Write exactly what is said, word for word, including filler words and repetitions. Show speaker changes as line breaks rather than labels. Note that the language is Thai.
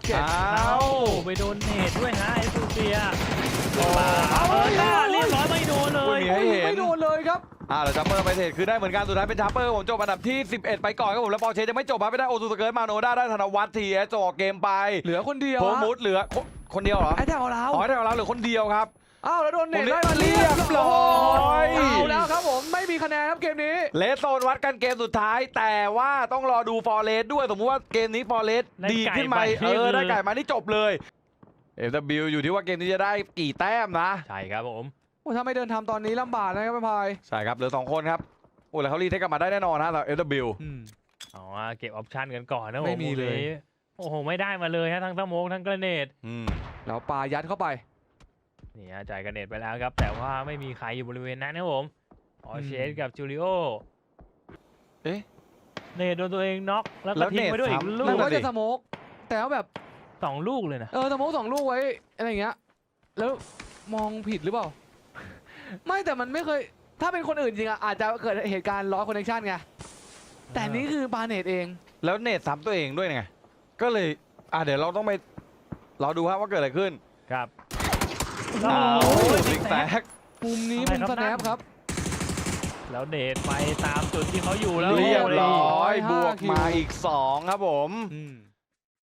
เจ็ด
อ้าว
ไปโดนเนตด้วยฮะไอ้ซูเฟีย
โอ้
เออหน้าเรียบร้อยไม่โดนเลย
ไม่ให้เห็น
ไม่โดนเลยครับ
อ่าแล้วจัมเปอร์ไปเทรดคือได้เหมือนกันสุดท้ายเป็นจัมเปอร์ผมจบอันดับที่สิบเอ็ดไปก่อนครับผมแล้วปอร์เช่ยังไม่จบครับไม่ได้โอซูสเกิร์ตมาโนด้าได้ธนวัฒน์ทีเอสจบเกมไป
เหลือคนเดียว
โพมุดเหลือคนคนเดียวเหรอ
ไอ้แถวเรา
อ๋อได้เราเหลือคนเดียวครับ
อ้าวแล้วโดนเนต
ผมเรีย
ได้
ก
มา
เรียบร้อย
เอาแล้วครับผมไม่มีคะแนนครับเกมนี้
เลสโซนวัดกันเกมสุดท้าย แต่ว่าต้องรอดูฟอร์เรสด้วยสมมติว่าเกมนี้ฟอร์เรสดีขึ้นไหมเออได้ไก่มานี่จบเลยเอฟดับบิลอยู่ที่ว่าเกมนี้จะได้กี่แต้มนะ
ใช่ครับผม
โอ้ถ้าไม่เดินทำตอนนี้ลำบากนะครับพี่พาย
ใช่ครับเหลือสองคนครับโอ้แล้วเขารีเทคกลับมาได้แน่นอนนะสำหรับเอฟดับบิล
อ๋อเก็บออปชั่นกันก่อนนะผม
ไม่มีเลย
โอ้โหไม่ได้มาเลยฮะทั้งสโมกทั้งกระเนด
อืม
แล้วปายัดเข้าไป
นี่ฮะจ่ายกระเนดไปแล้วครับ แต่ว่าไม่มีใครอยู่บริเวณนั้นนะผมออเชสกับจูริโอ
เอ๊ะ
เนดโดนตัวเองน็อกแล้ว
แล้
ก็
ว
ทิ้ง
เนต
ไปด้วยอีก
ซ้ำ
ลู
หรื
ก
อว่า
นั่นน่ะดิ
จะสโมกแต่ว่าแบบ
สองลูกเลยนะ
เออสโมกสองลูกไว้อะไรอย่างเงี้ยแล้วมองผิดหรือเปล่า ไม่แต่มันไม่เคยถ้าเป็นคนอื่นจริงอะอาจจะเกิดเหตุการณ์ล้อคอนเนคชั่นไงแต่นี่คือบาเนตเอง
แล้วเนตซ้ำตัวเองด้วยไงก็เลยอ่ะเดี๋ยวเราต้องไปเราดูครับว่าเกิดอะไรขึ้น
ครับ
อ้าว
โอ้ย
ซิกแซก
มุมนี้
อะไร
มุม
ครับ
สแนป
นั่น
ครับ
แล้วเนดไปตามจุดที่เขาอยู่แล้ว
เรียบร้อย
ห้า
บวกมา
คิว
อีกสองครับผม
อืม